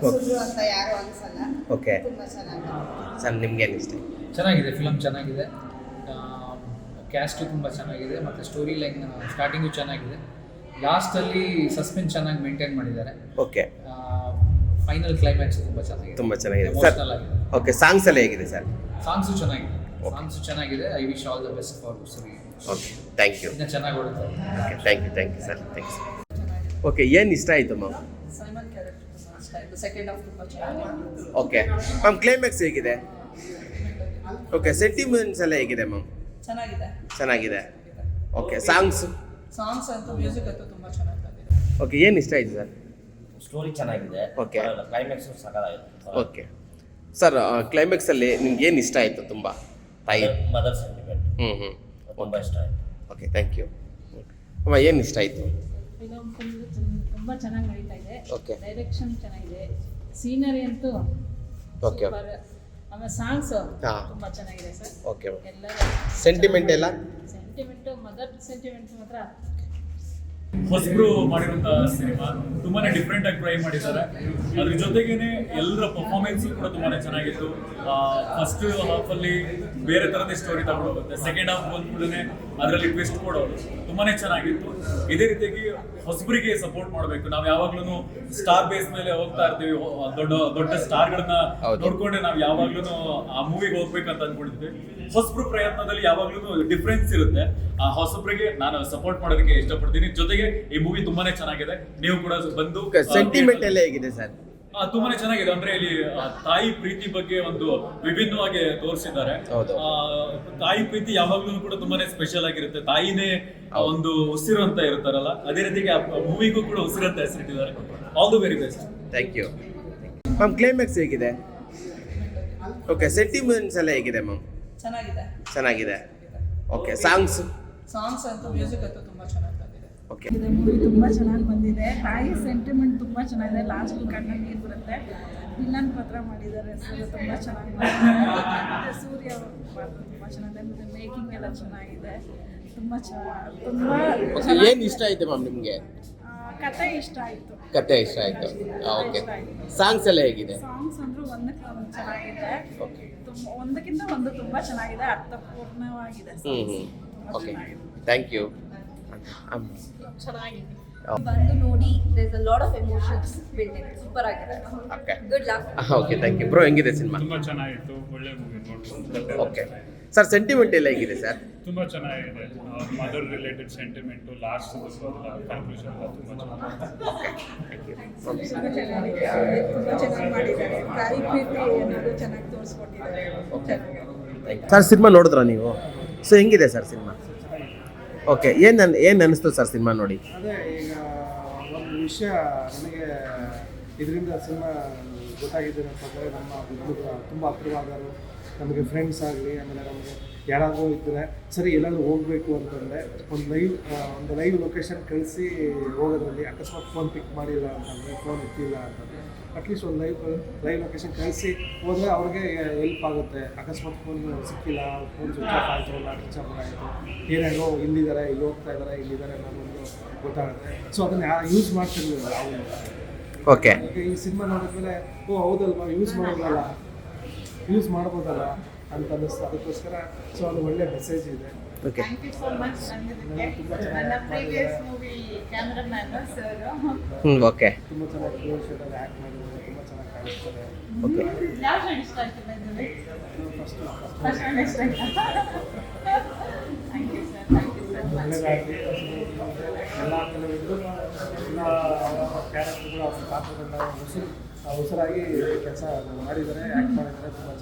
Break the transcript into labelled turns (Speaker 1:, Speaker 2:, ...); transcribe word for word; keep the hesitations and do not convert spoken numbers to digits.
Speaker 1: ಸುಳ್ಳು ಅಂತ ಯಾರು ಅನ್ಸಲ್ಲ.
Speaker 2: ಓಕೆ
Speaker 1: ತುಂಬಾ ಚೆನ್ನಾಗಿದೆ
Speaker 2: ಸರ್, ನಿಮ್ಗೆ ಏನು ಇಷ್ಟ?
Speaker 3: ಚೆನ್ನಾಗಿದೆ, ಫಿಲಮ್ ಚೆನ್ನಾಗಿದೆ, ಕ್ಯಾಸ್ಟು ತುಂಬ ಚೆನ್ನಾಗಿದೆ ಮತ್ತು ಸ್ಟೋರಿ ಲೈನ್ ಸ್ಟಾರ್ಟಿಂಗು ಚೆನ್ನಾಗಿದೆ, ಲಾಸ್ಟಲ್ಲಿ ಸಸ್ಪೆನ್ಸ್ ಚೆನ್ನಾಗಿ ಮೇಂಟೈನ್ ಮಾಡಿದ್ದಾರೆ.
Speaker 2: ಓಕೆ,
Speaker 3: ಫೈನಲ್ ಕ್ಲೈಮ್ಯಾಕ್ಸ್ ತುಂಬ ಚೆನ್ನಾಗಿದೆ,
Speaker 2: ತುಂಬ ಚೆನ್ನಾಗಿದೆ ಸರ್.
Speaker 3: ಎಮೋಷನಲ್ ಆಗಿದೆ.
Speaker 2: ಓಕೆ, ಸಾಂಗ್ಸ್ ಎಲ್ಲ ಹೇಗಿದೆ ಸರ್?
Speaker 3: ಸಾಂಗ್ಸು ಚೆನ್ನಾಗಿದೆ, ಸಾಂಗ್ಸು ಚೆನ್ನಾಗಿದೆ. I wish all the best for ಸರಿ.
Speaker 2: Okay, thank you.
Speaker 3: ಇನ್ನೂ ಚೆನ್ನಾಗಿ ಓಡುತ್ತೆ.
Speaker 2: Okay, thank you thank you sir, thanks. Okay, ಏನು ಇಷ್ಟ ಆಯಿತು ಮ್ಯಾಮ್?
Speaker 1: ಸೈಮನ್ ಕ್ಯಾರೆಕ್ಟರ್ ತುಂಬಾ ಇಷ್ಟ ಆಯಿತು. ಸೆಕೆಂಡ್ ಹಾಫ್ ತುಂಬಾ ಚೆನ್ನಾಗಿದೆ.
Speaker 2: ಓಕೆ ಮ್ಯಾಮ್, ಕ್ಲೈಮ್ಯಾಕ್ಸ್ ಹೇಗಿದೆ? ಓಕೆ, ಸೆಂಟಿಮೆಂಟ್ಸ್ ಎಲ್ಲ ಹೇಗಿದೆ ಮ್ಯಾಮ್?
Speaker 1: ಚೆನ್ನಾಗಿದೆ
Speaker 2: ಚೆನ್ನಾಗಿದೆ. Okay, songs?
Speaker 1: ಸಾಂಗ್ಸ್ ಅಂತೂ ಮ್ಯೂಸಿಕ್ ಅಂತೂ ತುಂಬಾ ಚೆನ್ನಾಗಿ ಬಂದಿದೆ.
Speaker 2: ಓಕೆ, ಏನು ಇಷ್ಟ ಆಯಿತು ಸರ್?
Speaker 4: ಸ್ಟೋರಿ ಚೆನ್ನಾಗಿದೆ.
Speaker 2: ಓಕೆ.
Speaker 4: ಕ್ಲೈಮ್ಯಾಕ್ಸ್ ಸಕಲಾಗಿದೆ.
Speaker 2: ಓಕೆ ಸರ್, ಕ್ಲೈಮ್ಯಾಕ್ಸಲ್ಲಿ ನಿಮ್ಗೆ ಏನು ಇಷ್ಟ ಆಯಿತು ತುಂಬ? ತಾಯಿ
Speaker 4: ಮದರ್ ಸೆಂಟಿಮೆಂಟ್
Speaker 2: ಹ್ಞೂ ಹ್ಞೂ
Speaker 4: ತುಂಬ ಇಷ್ಟ ಆಯಿತು.
Speaker 2: Okay, thank you. ಅಮ್ಮ, ಏನು ಇಷ್ಟ ಆಯಿತು?
Speaker 5: ಫಿಲಮ್ ತುಂಬ ಚೆನ್ನಾಗಿ ನಡೀತಾ ಇದೆ.
Speaker 2: ಓಕೆ.
Speaker 5: ಡೈರೆಕ್ಷನ್ ಚೆನ್ನಾಗಿದೆ, ಸೀನರಿ ಅಂತೂ
Speaker 2: ಓಕೆ.
Speaker 5: ಸೂಪರ್. ಆಮೇಲೆ ಸಾಂಗ್ಸ್
Speaker 2: ಹಾ.
Speaker 5: ತುಂಬ ಚೆನ್ನಾಗಿದೆ ಸರ್.
Speaker 2: ಓಕೆ.
Speaker 5: ಎಲ್ಲ
Speaker 2: ಸೆಂಟಿಮೆಂಟ್ ಎಲ್ಲ?
Speaker 5: ಸೆಂಟಿಮೆಂಟು, ಮದರ್ ಸೆಂಟಿಮೆಂಟ್ ಮಾತ್ರ
Speaker 6: ಹೊಸಬ್ರು ಮಾಡಿರುವಂತ ಸಿನಿಮಾ ತುಂಬಾನೇ ಡಿಫ್ರೆಂಟ್ ಆಗಿ ಟ್ರೈ ಮಾಡಿದ್ದಾರೆ. ಅದ್ರ ಜೊತೆಗೇನೆ ಎಲ್ಲರ ಪರ್ಫಾರ್ಮೆನ್ಸ್ ಕೂಡ ತುಂಬಾನೇ ಚೆನ್ನಾಗಿತ್ತು. ಫಸ್ಟ್ ಹಾಫ್ ಅಲ್ಲಿ ಬೇರೆ ತರದೇ ಸ್ಟೋರಿ ತಗೊಂಡೋಗುತ್ತೆ, ಸೆಕೆಂಡ್ ಹಾಫ್ ಬಂದ್ಕೂಡನೆ ಅದರಲ್ಲಿ ಟ್ವಿಸ್ಟ್ ಕೊಡೋದು ತುಂಬಾನೇ ಚೆನ್ನಾಗಿತ್ತು. ಇದೇ ರೀತಿಯಾಗಿ ಹೊಸಬರಿಗೆ ಸಪೋರ್ಟ್ ಮಾಡಬೇಕು. ನಾವು ಯಾವಾಗ್ಲೂ ಸ್ಟಾರ್ ಬೇಸ್ ಮೇಲೆ ಹೋಗ್ತಾ ಇರ್ತೀವಿ, ದೊಡ್ಡ ದೊಡ್ಡ ಸ್ಟಾರ್ಗಳನ್ನ ನೋಡ್ಕೊಂಡೆ ನಾವು ಯಾವಾಗ್ಲೂ ಆ ಮೂವಿಗೆ ಹೋಗ್ಬೇಕಂತ ಅನ್ಕೊಂಡಿದ್ವಿ. ಹೊಸಬ್ರು ಪ್ರಯತ್ನದಲ್ಲಿ ಯಾವಾಗ್ಲೂ ಡಿಫ್ರೆನ್ಸ್ ಇರುತ್ತೆ. ಆ ಹೊಸಬ್ರಿಗೆ ನಾನು ಸಪೋರ್ಟ್ ಮಾಡೋದಕ್ಕೆ ಇಷ್ಟಪಡ್ತೀನಿ. ಜೊತೆಗೆ ಈ ಮೂವಿ ತುಂಬಾನೇ ಚೆನ್ನಾಗಿದೆ, ನೀವು ಕೂಡ ಬಂದು.
Speaker 2: ಸೆಂಟಿಮೆಂಟ್ ಎಲ್ಲ ಹೇಗಿದೆ ಸರ್?
Speaker 6: ಆ, ತುಂಬಾನೇ ಚೆನ್ನಾಗಿದೆ. ಅಂದ್ರೆ ಇಲ್ಲಿ ಆ, ತಾಯಿ ಪ್ರೀತಿ ಬಗ್ಗೆ ಒಂದು ವಿಭಿನ್ನವಾಗಿ ತೋರಿಸಿದ್ದಾರೆ.
Speaker 2: ಹೌದು.
Speaker 6: ಆ, ತಾಯಿ ಪ್ರೀತಿ ಯಾವಾಗ್ಲೂ ಕೂಡ ತುಂಬಾನೇ ಸ್ಪೆಷಲ್ ಆಗಿರುತ್ತೆ. ತಾಯಿನೇ ಒಂದು ಉಸಿರು ಅಂತ ಇರ್ತಾರಲ್ಲ, ಅದೇ ರೀತಿಗೆ ಮೂವಿಗೂ ಕೂಡ ಉಸಿರು ಅಂತ ಹೆಸರಿಟ್ಟಿದ್ದಾರೆ. All the very best.
Speaker 2: Thank you ma'am. Climax ಹೇಗಿದೆ? ಓಕೆ, ಸೆಂಟಿಮೆಂಟ್ಸ್ ಎಲ್ಲ ಹೇಗಿದೆ ಮ್ಯಾಮ್?
Speaker 1: ಚೆನ್ನಾಗಿದೆ.
Speaker 2: ಚೆನ್ನಾಗಿದೆ. Okay, songs?
Speaker 1: ಸಾಂಗ್ಸ್ ಅಂತೂ ಮ್ಯೂಸಿಕ್ ಅಂತೂ ತುಂಬಾ ಚೆನ್ನಾಗಿ ಬಂದಿದೆ.
Speaker 2: ಓಕೆ.
Speaker 7: ಇದು ಮೂವಿ ತುಂಬ ಚೆನ್ನಾಗಿ ಬಂದಿದೆ. ತಾಯಿ ಸೆಂಟಿಮೆಂಟ್ ತುಂಬ ಚೆನ್ನಾಗಿದೆ. ಲಾಸ್ಟ್ ಕಣ್ಣಲ್ಲಿ ನೀರು ಬರುತ್ತೆ. ವಿಲನ್ ಪಾತ್ರ ಮಾಡಿದ್ದಾರೆ ಸರ್, ತುಂಬ ಚೆನ್ನಾಗಿ ಮಾಡಿದ್ದಾರೆ. ಮತ್ತು ಸೂರ್ಯ ಪಾತ್ರ ತುಂಬ ಚೆನ್ನಾಗಿದೆ. ಮತ್ತು ಮೇಕಿಂಗ್ ಎಲ್ಲ ಚೆನ್ನಾಗಿದೆ. ತುಂಬ ಚೆನ್ನಾಗಿ ತುಂಬ
Speaker 2: ಏನು ಇಷ್ಟ ಆಯಿತು ಮ್ಯಾಮ್ ನಿಮಗೆ?
Speaker 7: ಕತೆ ಇಷ್ಟ ಆಯಿತು.
Speaker 2: ಕತೆ ಇಷ್ಟ ಆಯಿತು. ಓಕೆ, ಸಾಂಗ್ಸ್ ಎಲ್ಲ ಹೇಗಿದೆ?
Speaker 7: ಸಾಂಗ್ಸ್ ಅಂದರೂ ಒಂದಕ್ಕೆ ಒಂದು ಚೆನ್ನಾಗಿದೆ.
Speaker 2: ಓಕೆ.
Speaker 7: ತುಂಬ ಒಂದಕ್ಕಿಂತ ಒಂದು ತುಂಬ ಚೆನ್ನಾಗಿದೆ, ಅರ್ಥಪೂರ್ಣವಾಗಿದೆ.
Speaker 2: ಹ್ಞೂ ಹ್ಞೂ ಓಕೆ, ಥ್ಯಾಂಕ್ ಯು.
Speaker 7: ಚೆನ್ನಾಗಿದೆ.
Speaker 8: ಬಂದು ನೋಡಿ, there is a lot of emotions build in. Super ಆಗಿದೆ.
Speaker 2: Okay.
Speaker 8: Good luck.
Speaker 2: Okay, thank you. Bro, ಹೆಂಗಿದೆ ಸಿನಿಮಾ?
Speaker 6: ತುಂಬಾ ಚೆನ್ನಾಗಿತ್ತು, ಒಳ್ಳೆ ಮೂವಿ ನೋಡ್ಬೋದು.
Speaker 2: ಓಕೆ ಸರ್, ಸೆಂಟಿಮೆಂಟ್ ಎಲ್ಲ ಹೇಗಿದೆ ಸರ್?
Speaker 6: ತುಂಬಾ ಚೆನ್ನಾಗಿದೆ. Mother related sentiment, last conclusion ಎಲ್ಲ ತುಂಬಾ ಚೆನ್ನಾಗಿದೆ.
Speaker 7: ತುಂಬ ಚೆನ್ನಾಗಿದೆ, ತುಂಬ ಚೆನ್ನಾಗಿ ಮಾಡಿದ್ದಾರೆ. ತಾಯಿ ಪ್ರೀತಿ ಅನ್ನೋದು ಚೆನ್ನಾಗಿ ತೋರಿಸ್ಕೊಟ್ಟಿದ್ದಾರೆ. ಚೆನ್ನಾಗಿದೆ.
Speaker 2: ಸರ್, ಸಿನಿಮಾ ನೋಡಿದ್ರಾ ನೀವು? ಸೊ ಹೆಂಗಿದೆ ಸರ್ ಸಿನಿಮಾ? ಓಕೆ, ಏನು ಏನು ಅನ್ನಿಸ್ತು ಸರ್ ಸಿನಿಮಾ ನೋಡಿ?
Speaker 9: ಅದೇ ಈಗ ಒಂದು ವಿಷಯ ನನಗೆ ಇದರಿಂದ ಸಿನಿಮಾ ಗೊತ್ತಾಗಿದ್ದೇನೆ ಅಂತಂದರೆ, ನಮ್ಮ ತುಂಬ ಹತ್ತಿರವಾದರು ನಮಗೆ ಫ್ರೆಂಡ್ಸ್ ಆಗಲಿ, ಆಮೇಲೆ ನಮಗೆ ಯಾರಾದರೂ ಇದ್ದರೆ ಸರಿ ಎಲ್ಲಾದರೂ ಹೋಗಬೇಕು ಅಂತಂದರೆ ಒಂದು ಲೈವ್ ಒಂದು ಲೈವ್ ಲೊಕೇಶನ್ ಕಳಿಸಿ ಹೋಗೋದ್ರಲ್ಲಿ, ಅಕಸ್ಮಾತ್ ಫೋನ್ ಪಿಕ್ ಮಾಡಿಲ್ಲ ಅಂತಂದರೆ, ಫೋನ್ ಎತ್ತಿಲ್ಲ ಅಂತಂದರೆ ಅಟ್ಲೀಸ್ಟ್ ಒಂದು ಲೈವ್ ಲೈವ್ ಲೊಕೇಶನ್ ಕಳಿಸಿ ಹೋದರೆ ಅವ್ರಿಗೆ ಹೆಲ್ಪ್ ಆಗುತ್ತೆ. ಅಕಸ್ಮಾತ್ ಫೋನ್ ಸಿಕ್ಕಿಲ್ಲ, ಫೋನ್ ಸ್ವಿಚ್ ಆಫ್ ಆಯಿತು, ಇಲ್ಲ ಸ್ವಿಚ್ ಆಫ್ ಆಯಿತು, ಏನೇನೋ ಇಲ್ಲಿದ್ದಾರೆ, ಇಲ್ಲಿ ಹೋಗ್ತಾ ಇದ್ದಾರೆ, ಇಲ್ಲಿದ್ದಾರೆ ಅನ್ನೋದೊಂದು ಗೊತ್ತಾಗುತ್ತೆ. ಸೊ ಅದನ್ನು ಯೂಸ್ ಮಾಡ್ತಿರ್ಲಿಲ್ಲ ನಾವು.
Speaker 2: ಓಕೆ.
Speaker 9: ಈಗ ಈ ಸಿನಿಮಾ ನೋಡಿದ್ಮೇಲೆ ಓ ಹೌದಲ್ವಾ, ಯೂಸ್ ಮಾಡೋದಲ್ಲ, ಯೂಸ್ ಮಾಡ್ಬೋದಲ್ಲ ಅಂತ ಅನ್ನಿಸ್ತು. ಅದಕ್ಕೋಸ್ಕರ ಸೊ ಅದು ಒಳ್ಳೆ ಮೆಸೇಜ್ ಇದೆ.
Speaker 2: Okay.
Speaker 7: Thank you so much. ನನ್ನ ಪ್ರೀವಿಯಸ್ ಮೂವಿ ಕ್ಯಾಮ್ರಾಮ್ಯಾನ್ ಸರ್
Speaker 2: ಹ್ಞೂ ಓಕೆ.
Speaker 9: ತುಂಬ ಚೆನ್ನಾಗಿ ಕ್ಲೋಸ್ ಶೇಡಲ್ಲಿ ಆ್ಯಕ್ಟ್ ಮಾಡಿದ್ದಾರೆ, ತುಂಬ ಚೆನ್ನಾಗಿ ಕಾಣಿಸ್ತಾರೆ.
Speaker 2: ಓಕೆ.
Speaker 7: ಯಾವ ಸೈಡ್ ಇಷ್ಟ ಆಯ್ತು ಬಂದರೆ?
Speaker 9: ಫಸ್ಟ್
Speaker 7: ಫಸ್ಟ್ ಒನ್ ಇಷ್ಟ ಆಯ್ತಾ? Thank you sir, thank you sir.
Speaker 9: ಒಳ್ಳೆಯದಾಗಲಿ. ಎಲ್ಲ ಕೆಲವೊಂದು ಎಲ್ಲ ಕ್ಯಾರೆಕ್ಟರ್ಗಳು ಅವ್ರ ಪಾತ್ರಗಳನ್ನ ಉಸಿರು ಉಸಿರಾಗಿ ಕೆಲಸ ಮಾಡಿದ್ದಾರೆ, ಆ್ಯಕ್ಟ್ ಮಾಡಿದ್ದಾರೆ. ತುಂಬ